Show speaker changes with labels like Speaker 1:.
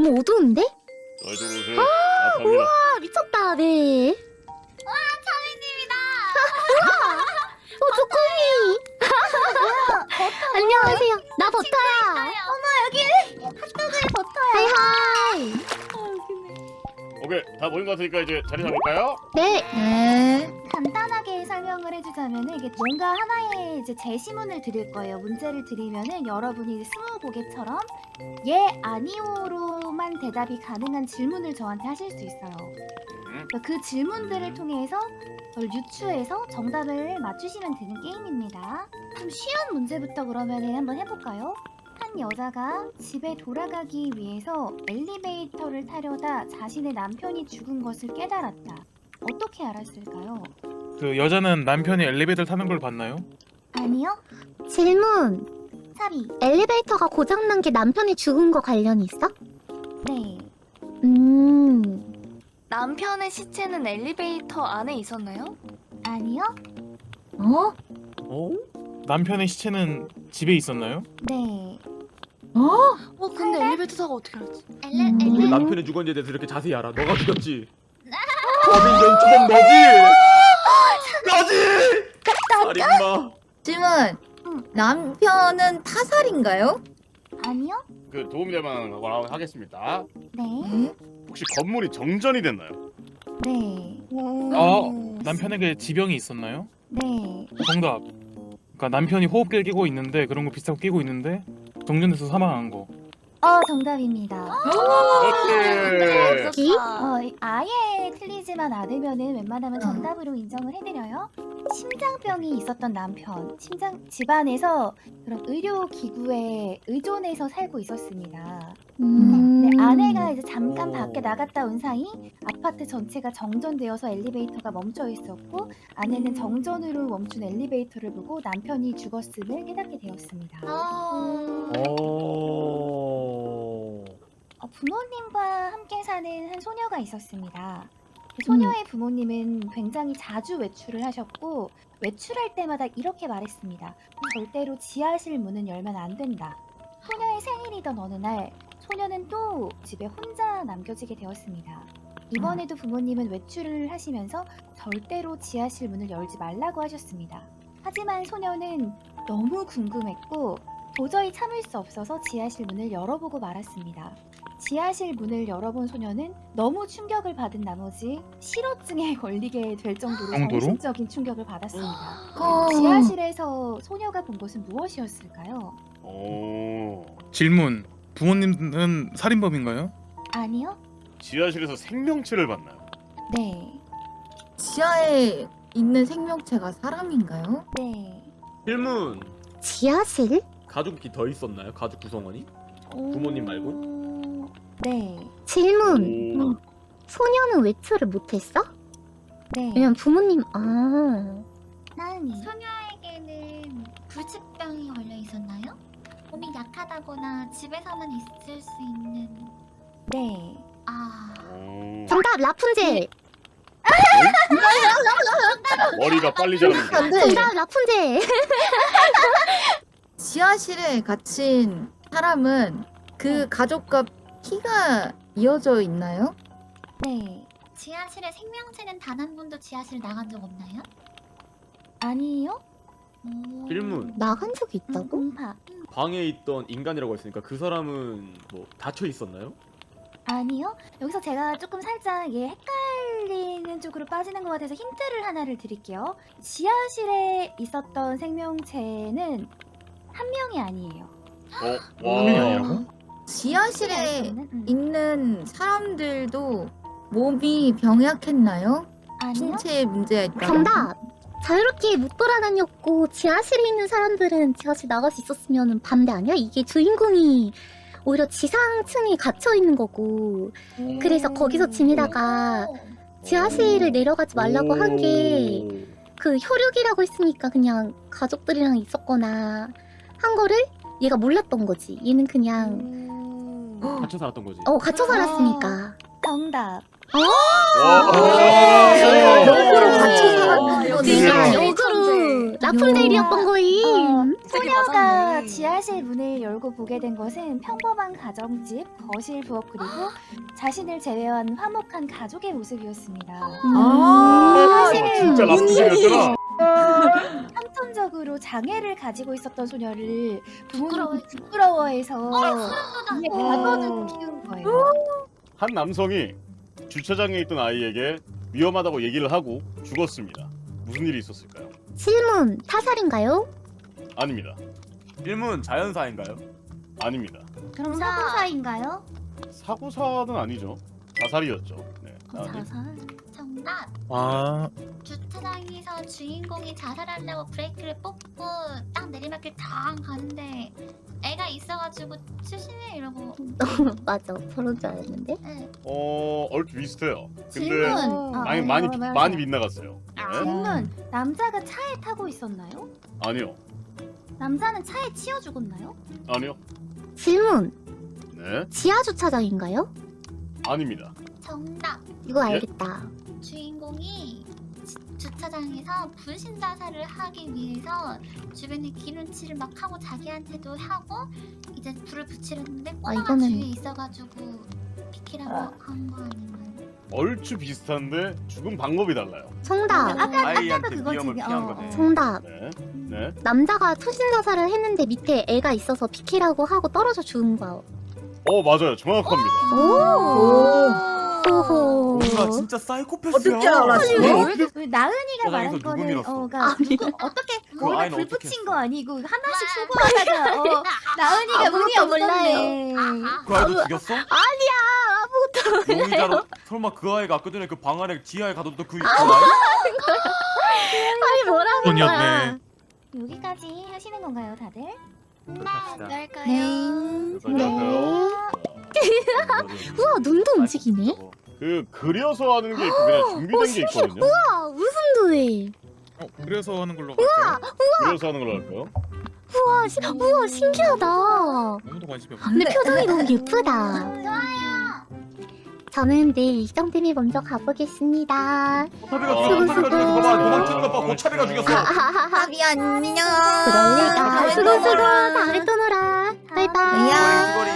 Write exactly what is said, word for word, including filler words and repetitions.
Speaker 1: 너무 어두운데?
Speaker 2: 어, 이쪽으로 오세요. 아, 갑니다.
Speaker 1: 우와 미쳤다. 네.
Speaker 3: 와 차미님이다.
Speaker 1: 어 조코미. 안녕하세요. 나 버터야.
Speaker 3: 어머 여기 핫도그에 버터야.
Speaker 1: 하이하이.
Speaker 2: 오케이, 다 모인 것 같으니까 이제 자리 잡을까요?
Speaker 1: 네.
Speaker 4: 네.
Speaker 3: 간단하게 설명을 해주자면은 이게 뭔가 하나의 이제 제시문을 드릴 거예요. 문제를 드리면은 여러분이 스무고개처럼 예 아니오로만 대답이 가능한 질문을 저한테 하실 수 있어요. 그러니까 그 질문들을 통해서 그걸 유추해서 정답을 맞추시면 되는 게임입니다. 좀 쉬운 문제부터 그러면은 한번 해볼까요? 한 여자가 집에 돌아가기 위해서 엘리베이터를 타려다 자신의 남편이 죽은 것을 깨달았다. 어떻게 알았을까요?
Speaker 5: 그 여자는 남편이 엘리베이터를 타는 걸 봤나요?
Speaker 3: 아니요?
Speaker 1: 질문.
Speaker 3: 사비.
Speaker 1: 엘리베이터가 고장난 게 남편이 죽은 거 관련이 있어?
Speaker 3: 네.
Speaker 1: 음.
Speaker 6: 남편의 시체는 엘리베이터 안에 있었나요?
Speaker 3: 아니요?
Speaker 4: 어?
Speaker 5: 어? 남편의 시체는 집에 있었나요?
Speaker 3: 네.
Speaker 4: 어?
Speaker 6: 어 근데 엘리베이터 타고 어떻게 알았지?
Speaker 3: 엘레
Speaker 1: 음.
Speaker 7: 어떻게
Speaker 3: 엘레.
Speaker 7: 남편이 죽었는지에 대해서 이렇게 자세히 알아? 너가 죽였지? 범인 연주범 너지? 너지? 살인마.
Speaker 4: 질문.
Speaker 3: 응.
Speaker 4: 남편은 타살인가요?
Speaker 3: 아니요?
Speaker 2: 그 도움이 될 만한 거라고 하겠습니다.
Speaker 3: 네.
Speaker 4: 네.
Speaker 2: 혹시 건물이 정전이 됐나요?
Speaker 3: 네.
Speaker 5: 어? 남편에게 지병이 있었나요?
Speaker 3: 네.
Speaker 5: 정답. 그러니까 남편이 호흡기를 끼고 있는데 그런 거 비슷하고 끼고 있는데 정전돼서 사망한 거.
Speaker 3: 어 정답입니다.
Speaker 2: 그렇지.
Speaker 3: 어 아예 틀리지만 않으면은 웬만하면 정답으로 인정을 해드려요. 심장병이 있었던 남편, 심장 집안에서 그런 의료 기구에 의존해서 살고 있었습니다.
Speaker 1: 음.
Speaker 3: 네, 아내가 이제 잠깐
Speaker 7: 오.
Speaker 3: 밖에 나갔다 온 사이 아파트 전체가 정전되어서 엘리베이터가 멈춰 있었고 아내는 정전으로 멈춘 엘리베이터를 보고 남편이 죽었음을 깨닫게 되었습니다.
Speaker 6: 아...
Speaker 7: 어.
Speaker 3: 어, 부모님과 함께 사는 한 소녀가 있었습니다. 그 소녀의 부모님은 굉장히 자주 외출을 하셨고 외출할 때마다 이렇게 말했습니다. 절대로 지하실 문은 열면 안 된다. 소녀의 생일이던 어느 날 소녀는 또 집에 혼자 남겨지게 되었습니다. 이번에도 부모님은 외출을 하시면서 절대로 지하실 문을 열지 말라고 하셨습니다. 하지만 소녀는 너무 궁금했고 도저히 참을 수 없어서 지하실 문을 열어보고 말았습니다. 지하실 문을 열어본 소녀는 너무 충격을 받은 나머지 실어증에 걸리게 될 정도로
Speaker 5: 정도로?
Speaker 3: 정신적인 충격을 받았습니다.
Speaker 4: 어.
Speaker 3: 지하실에서 소녀가 본 것은 무엇이었을까요?
Speaker 2: 오.
Speaker 5: 질문. 부모님은 살인범인가요?
Speaker 3: 아니요?
Speaker 2: 지하실에서 생명체를 봤나요?
Speaker 3: 네.
Speaker 4: 지하에 있는 생명체가 사람인가요?
Speaker 3: 네.
Speaker 7: 질문.
Speaker 1: 지하실?
Speaker 7: 가족이 더 있었나요? 가족 구성원이? 부모님 말고?
Speaker 3: 오... 네.
Speaker 1: 질문.
Speaker 2: 오.
Speaker 1: 소녀는 외출을 못했어?
Speaker 3: 네.
Speaker 1: 왜냐면 부모님 아.
Speaker 3: 나은이.
Speaker 8: 소녀에게는 불치병이 걸려 있었나요? 몸이 약하다거나 집에서만 있을 수 있는.
Speaker 3: 네.
Speaker 8: 아,
Speaker 2: 오.
Speaker 1: 정답 라푼젤.
Speaker 2: 머리가 빨리 자라는.
Speaker 4: 안 돼.
Speaker 1: 정답 라푼젤.
Speaker 4: 지하실에 갇힌 사람은 그 가족과 피가 이어져 있나요?
Speaker 3: 네.
Speaker 8: 지하실에 생명체는 단 한 번도 지하실 나간 적 없나요?
Speaker 3: 아니요?
Speaker 8: 오.
Speaker 7: 질문.
Speaker 1: 나간 적이 있다고?
Speaker 3: 공파.
Speaker 7: 방에 있던 인간이라고 했으니까 그 사람은 뭐 닫혀 있었나요?
Speaker 3: 아니요. 여기서 제가 조금 살짝 얘 헷갈리는 쪽으로 빠지는 것 같아서 힌트를 하나를 드릴게요. 지하실에 있었던 생명체는 한 명이 아니에요.
Speaker 2: 어?
Speaker 5: 화면이
Speaker 2: 와.
Speaker 5: 아니라고?
Speaker 4: 지하실에
Speaker 3: 음.
Speaker 4: 있는 사람들도 몸이 병약했나요?
Speaker 3: 아니요?
Speaker 4: 신체에 문제가 있다.
Speaker 1: 정답. 자유롭게 못 돌아다녔고 지하실에 있는 사람들은 지하실 나갈 수 있었으면 반대 아니야? 이게 주인공이 오히려 지상층에 갇혀 있는 거고 그래서 거기서 지내다가 지하실을 내려가지 말라고 한 게 그 혈육이라고 했으니까 그냥 가족들이랑 있었거나 한 거를 얘가 몰랐던 거지. 얘는 그냥
Speaker 6: 음...
Speaker 7: 갇혀 살았던 거지.
Speaker 1: 어 갇혀 살았으니까.
Speaker 3: 정답.
Speaker 2: 와.
Speaker 4: 역으로
Speaker 2: 오.
Speaker 4: 갇혀 살았던
Speaker 6: 와,
Speaker 4: 거지.
Speaker 6: 역시.
Speaker 1: 그러니까
Speaker 6: 네.
Speaker 1: 역으로 라푼젤이었던 거임.
Speaker 3: 어,
Speaker 6: 되게
Speaker 3: 소녀가
Speaker 6: 맞았네.
Speaker 3: 지하실 문을 열고 보게 된 것은 평범한 가정집, 거실, 부엌 그리고 자신을 제외한 화목한 가족의 모습이었습니다.
Speaker 4: 아,
Speaker 2: 어, 진짜 라푼젤이었잖아.
Speaker 3: 선천적으로 장애를 가지고 있었던 소녀를
Speaker 8: 부끄러워.
Speaker 3: 부모님이 부끄러워해서
Speaker 8: 아,
Speaker 3: 이제 가둬두고 키운 거예요.
Speaker 2: 한 남성이 주차장에 있던 아이에게 위험하다고 얘기를 하고 죽었습니다. 무슨 일이 있었을까요?
Speaker 1: 질문 타살인가요?
Speaker 2: 아닙니다.
Speaker 7: 일문 자연사인가요?
Speaker 2: 아닙니다.
Speaker 3: 그럼
Speaker 8: 자.
Speaker 3: 사고사인가요?
Speaker 2: 사고사는 아니죠. 자살이었죠. 네.
Speaker 3: 어,
Speaker 2: 아니.
Speaker 3: 자살.
Speaker 8: 정답.
Speaker 5: 아
Speaker 8: 주차장에서 주인공이 자살하려고 브레이크를 뽑고 딱 내리막길 당 가는데 애가 있어가지고 출신해 이러고.
Speaker 1: 맞아. 저런 줄 알았는데.
Speaker 8: 네.
Speaker 2: 어 얼핏 비슷해요. 근데
Speaker 3: 질문. 아,
Speaker 2: 많이
Speaker 3: 어,
Speaker 2: 많이
Speaker 3: 어, 맞아.
Speaker 2: 많이 빗나갔어요.
Speaker 8: 아.
Speaker 2: 네?
Speaker 3: 질문. 남자가 차에 타고 있었나요?
Speaker 2: 아니요.
Speaker 3: 남자는 차에 치여 죽었나요?
Speaker 2: 아니요.
Speaker 1: 질문
Speaker 2: 네.
Speaker 1: 지하 주차장인가요?
Speaker 2: 아닙니다.
Speaker 8: 정답.
Speaker 1: 이거
Speaker 2: 예?
Speaker 1: 알겠다.
Speaker 8: 주인공이 지- 주차장에서 분신 자살을 하기 위해서 주변에 기름칠을 막 하고 자기한테도 하고 이제 불을 붙이려는데 꼬마가
Speaker 1: 이거는-
Speaker 8: 주위에 있어가지고 비키라고 한 거 아닌가요?
Speaker 2: 얼추 비슷한데 죽은 방법이 달라요.
Speaker 1: 정답.
Speaker 3: 아까
Speaker 7: 아이한테
Speaker 3: 아까도 그거지.
Speaker 7: 위험을 피한
Speaker 3: 어,
Speaker 7: 거네.
Speaker 3: 어.
Speaker 1: 정답.
Speaker 2: 네. 네.
Speaker 1: 남자가 투신 자살을 했는데 밑에 애가 있어서 비키라고 하고 떨어져 죽은 거야.
Speaker 2: 어 맞아요. 정확합니다.
Speaker 1: 오. 호호.
Speaker 7: 뭔가 진짜 사이코패스야.
Speaker 4: 어떻게 알았어?
Speaker 2: 이걸 어떻게
Speaker 3: 그 나은이가
Speaker 7: 주차장에서
Speaker 3: 말한
Speaker 7: 누구
Speaker 3: 거는
Speaker 7: 밀었어?
Speaker 3: 어, 그러니까 누구 어떻게
Speaker 7: 그
Speaker 3: 거기다
Speaker 7: 아이는
Speaker 3: 불
Speaker 7: 어떻게
Speaker 3: 붙인
Speaker 7: 했어?
Speaker 3: 거 아니고 하나씩 수고하다가 어, 나은이가 운이
Speaker 1: 아무것도
Speaker 3: 없었네.
Speaker 7: 그 아이도 죽였어?
Speaker 1: 아니야 아무것도
Speaker 7: 용의자로 설마 그 아이가 아까 전에 그 방 안에 지하에 가뒀던 그 아이?
Speaker 1: 아니 뭐라는 거야.
Speaker 5: 돈이었네.
Speaker 3: 여기까지 하시는 건가요, 다들?
Speaker 7: 갑시다.
Speaker 6: 할까요?
Speaker 1: 네.
Speaker 2: 여기까지 할까요?
Speaker 1: 우와 눈도 움직이네.
Speaker 2: 그 그려서 하는 게 있고 그냥 준비된 게 있거든요.
Speaker 1: 아 웃음도 해.
Speaker 5: 어, 그래서 하는 걸로 갈까요?
Speaker 2: 그려서 하는 걸로 할까요?
Speaker 1: 우와 시, 우와 신기하다.
Speaker 5: 아무도 관심이 없어.
Speaker 1: 근데 표정이 너무 예쁘다. 저는 내일 일정 때문에 먼저 가보겠습니다.
Speaker 7: 차비가
Speaker 2: 어.
Speaker 7: 죽였어. 차비가 죽였어. 봐봐. 도망치는 거 봐. 고차비가 죽였어.
Speaker 4: 합이 안녕.
Speaker 1: 그럴 리가. 수고 수고. 다음에 또 놀아. 바이바이.
Speaker 4: 야.
Speaker 7: 수고리.